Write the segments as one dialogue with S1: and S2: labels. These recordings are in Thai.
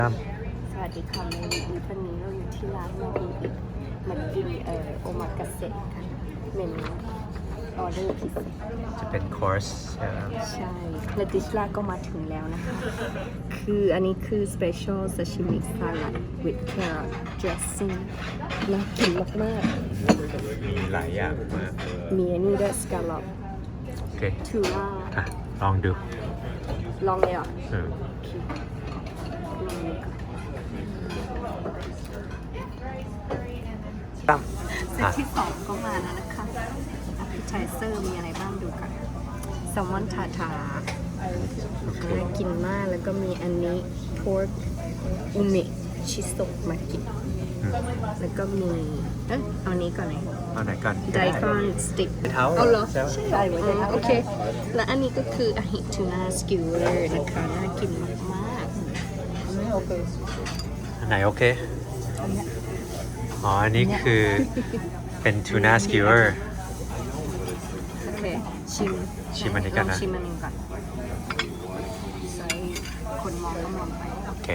S1: สวัสดีค่ะในวีดีโอนี้เราอยู่ที่ร้านมาอีกมากินโอมากาเสะกันเมนูออเดอร์พิเศษ
S2: จะเป็นคอร์สใช่ไหม
S1: ใช่และดิชลาก็มาถึงแล้วนะคะคืออันนี้คือ special sashimi salad with carrot dressing น่ากินมาก
S2: มีหลายอย่างมาก
S1: ๆมีอันนี้ด้วยสกาลอป
S2: โอเค
S1: ทูน่า
S2: อ่ะลองดู
S1: ลองเลยเหรอ
S2: เออ
S1: โอเคลองเลยก่อน
S2: ตั้ม
S1: เซตที่2ก็มาแล้วนะคะ appetizer มีอะไรบ้างดูกันแซลมอนทาทาน่ากินมากแล้วก็มีอันนี้ pork อุมิชิโซะมากินแล้วก็มีเอานี้ก่อนเลย
S2: เอาไหนก่อน
S1: ไดคอนสติ๊ก
S2: เท้า
S1: เอาเหรอ
S2: ใช่ไหม
S1: ใช่โอเค แล้วอันนี้ก็คืออาหิทูน่าสกิวเลอร์นะคะน่ากินมากๆโอเค
S2: อันไหนโอเคอ๋ออันนี้คือเป็นทูน่าสกิวเวอร์
S1: โอเคชิม
S2: อันนี้กันนะ
S1: ลองชิมอันนี้ก่อนใส่คนมองก็มองไป
S2: โอเค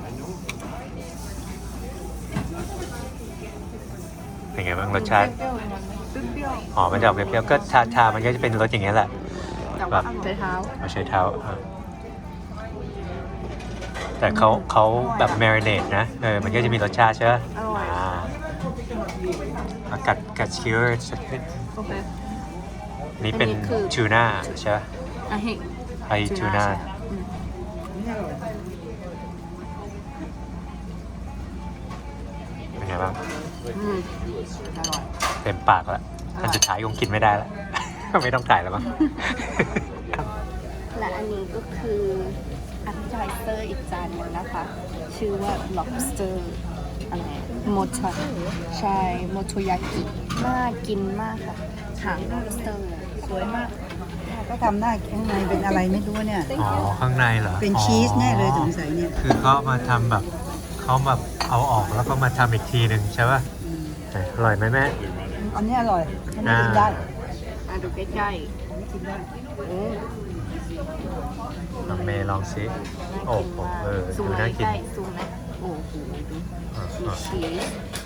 S2: เป็นไงบ้างรสชาติ
S1: เปรี้ยว
S2: อ๋อมันจะออกเปรี้ยวๆก็ชามันก็จะเป็นรสอย่างเงี้ยแหละ
S1: ๆแต่ว่าใช้เท้า
S2: เอาใช้เท้าแต่เขาแบบแมริเนตนะมันก็จะมีรสชาติใช่ไหม
S1: อร่อย
S2: กัดสกิวเวอร์สักนิด
S1: โอเค
S2: นี่เป็น
S1: อันนี้คือ
S2: ทูน่าใช่ไหม
S1: อาหิ
S2: ไอทูน่า
S1: อืม
S2: เป็นไงบ้าง
S1: อืมอร่อย
S2: เต็มปากแล้วอันสุดท้ายคงกินไม่ได้แล้ว ไม่ต้องถ่ายแล้วมั้ง
S1: และอันนี้ก็คือ appetizer อีกจานหนึงนะคะ ชื่อว่า lobster อะไรโมโตใช่โมโตยากิน่ากินมากค่ะหาง lobster
S3: สวยมากก็ทำหน้าข้างในเป็นอะไรไม่รู้เนี่ย
S2: อ๋อ ข้างในเหรอ
S3: เป็นชีสแน่เลยสงสัยเนี่ย
S2: คือเขามาทำแบบเขาแบบเอาออกแล้วก็มาทำอีกทีหนึ่งใช่ป่ะอร่อยไหมแม่
S3: อันนี้อร่อยอันนี้กินได้
S1: ดูใกล้
S3: กินได้
S1: ๆอืม
S2: ลองเมย์ลองซิ
S1: น่า
S2: โอ้
S1: กิน
S2: โห
S1: มาก
S2: ดู
S1: ซูม
S2: น่า
S1: ใก
S2: กิน
S1: ล้ๆซูมนะโอ้โหดูมีชีส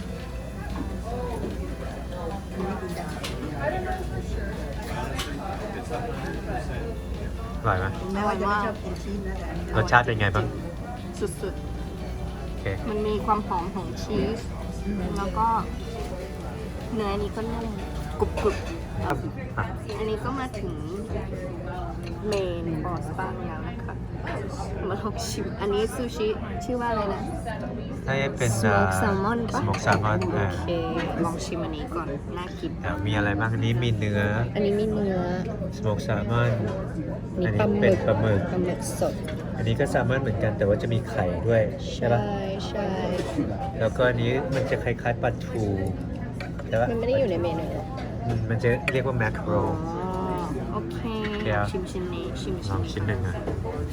S2: อร่อยไหม
S3: แม้ว่าจะไม่ชอบกินชีสนะแต่อันนี้อ
S2: ร
S3: ร่อย
S2: สชาติเป็นไงบ้าง
S1: สุด
S2: โอเค
S1: ๆ มันมีความหอมของชีส แล้วก็เนื้อนี้ก็นุ่มกรุบๆ
S2: อ่ะ
S1: อันนี้ก็มาถึงเมนคอร์สบ้างแล้วนะคะ มาลองชิม อันนี้ซูชิชื่อว่าอะไรนะ
S2: ถ้าจะเป็น
S1: Smoked salmon ปะ
S2: สโมกแซลมอน
S1: โอเค ลองชิมอันนี้ก่อน น่ากิน
S2: มีอะไรบ้างอันนี้มีเนื้อ
S1: อันนี้มีเนื้อ
S2: สโมกแซลมอน
S1: มี
S2: อัน
S1: ปลา
S2: นี้
S1: ห
S2: เป็
S1: มึ
S2: น
S1: ก
S2: ปลาหมึก
S1: สด
S2: อันนี้ก็แซลมอนเหมือนกันแต่ว่าจะมีไข่ด้วยใช่ปะ
S1: ใช่
S2: แล้วก็อันนี้มันจะคล้ายๆปลาทูใช่ปะ
S1: มันไม่ได้อยู่ในเมนู
S2: มันจะเรียกว่าแมคโร
S1: อ๋อ โอเค
S2: เดี๋ยว
S1: ชิมชิ้นนี้ ชิม
S2: ลองชิ้นหนึ่งอ่ะ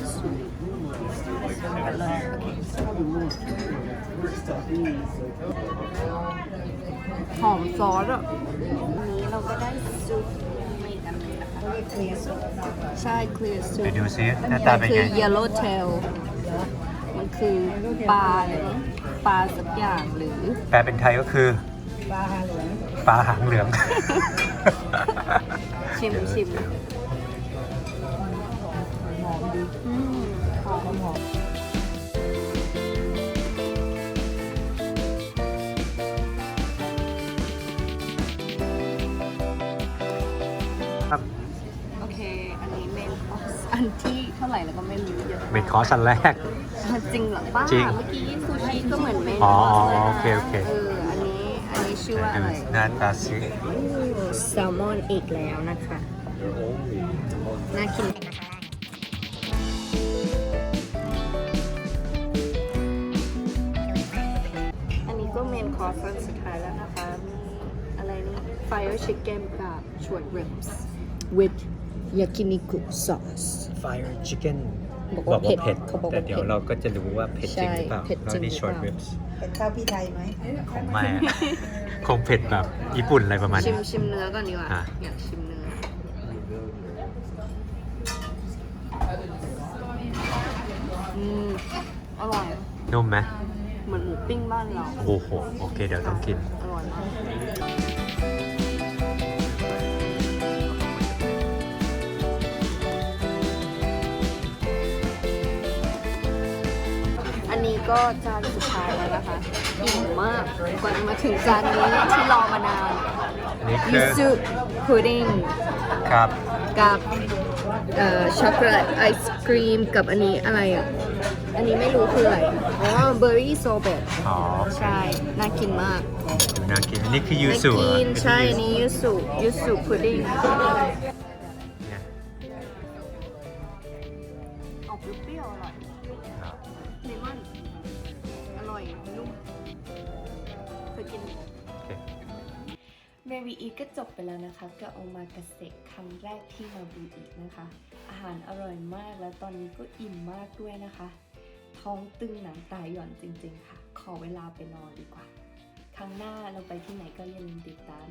S1: หอมซอสอ่ะอันนี้เราก็ได้ซุปมาอีกอันหนึงนะคะใช่ clear ซุป
S2: ไปดูซิหน้าตาเป็น
S1: คื
S2: ไง
S1: อ yellow tail มันคือปลาอะไรนะปลาสักอย่างหรือ
S2: แปลเป็นไทยก็คือ
S3: ปลาหาเหลือง
S2: ปลาหางเหลือง
S1: ชิม
S3: หอมดี
S1: อืมหอม
S3: หอม
S2: ครับ
S1: โอเค อันนี้เมนคอร์สอันที่เท่าไหร่แล้วก็ไม่รู้เยอะ
S2: เมนคอร์สอันแรก
S1: จริงเหรอป้า
S2: จริง
S1: เมื่อกี้ซูชิก็เหมือนเมน
S2: อ๋อ
S1: คอร์สเลย
S2: โอ
S1: นะ
S2: เคโอเค
S1: อันนี้ชื่อว่า
S2: ดู
S1: อะไร
S2: หน้าตาซิ
S1: แซลมอนอีกแล้วนะคะ น่ากินอันนี้ก็เมนคอร์สสุดท้ายแล้วนะคะมีอะไรนี่ Fire Chicken กับ Short Ribs with Yakiniku sauce
S2: Fire Chicken
S1: บอกว่าเผ็ดเขาบอกว่า
S2: แต่เดี๋ยวเราก็จะรู้ว่าเผ็ดจริงหรือเปล่า
S1: ใช่เผ็ดจริง
S2: แล้วนี่
S1: หรือ
S2: short
S1: เปล่า
S2: ribs
S3: เป็นข้าวพี่ไทยไหม
S2: ของไม่อะ คงเผ็ดแบบญี่ปุ่นอะไรประมาณ
S1: ชิ
S2: นี้
S1: มเนื้อก่อนดีกว่า
S2: อ่ะ
S1: อยากชิมเนื้อ อร่อย
S2: นุ่มไหม
S1: เหมือนหมูปิ้งบ้านเรา
S2: โอ้โห โอเค เดี๋ยวต้องกิน
S1: อร่อยมากอันนี้ก็จานสุดท้ายแล้วนะคะ อิ่มมากกว่าจะมาถึงจานนี้ที่รอมานาน
S2: นี่คื
S1: ยู
S2: อ
S1: สุพุดดิ้ง
S2: ครับ
S1: กับช็อกโกแลตไอศครีมกับอันนี้อะไรอ่ะ อันนี้ไม่รู้คืออะไร อ๋อเบอร์รี่โซเบต
S2: อ๋อ
S1: ใช่ น่ากินมาก
S2: ดูน่ากิน อันนี้คือยูสุ
S1: น่า
S2: เหรอ
S1: กินใช่อันนี้ยูสุพุดดิ้ง
S2: เนี่ย
S1: ออกเปรี้ยวๆอร่อย
S2: ครับ
S1: เลมอน อร่อย นุ่มเคยกิน
S2: โอเค
S1: เมวีอีก็จบไปแล้วนะคะกับโอมากาเสะครั้งแรกที่มาบูอีนะคะ อาหารอร่อยมากแล้วตอนนี้ก็อิ่มมากด้วยนะคะ ท้องตึงหนังตาหย่อนจริงๆค่ะ ขอเวลาไปนอนดีกว่า ครั้งหน้าเราไปที่ไหนก็อย่าลืมติดตาม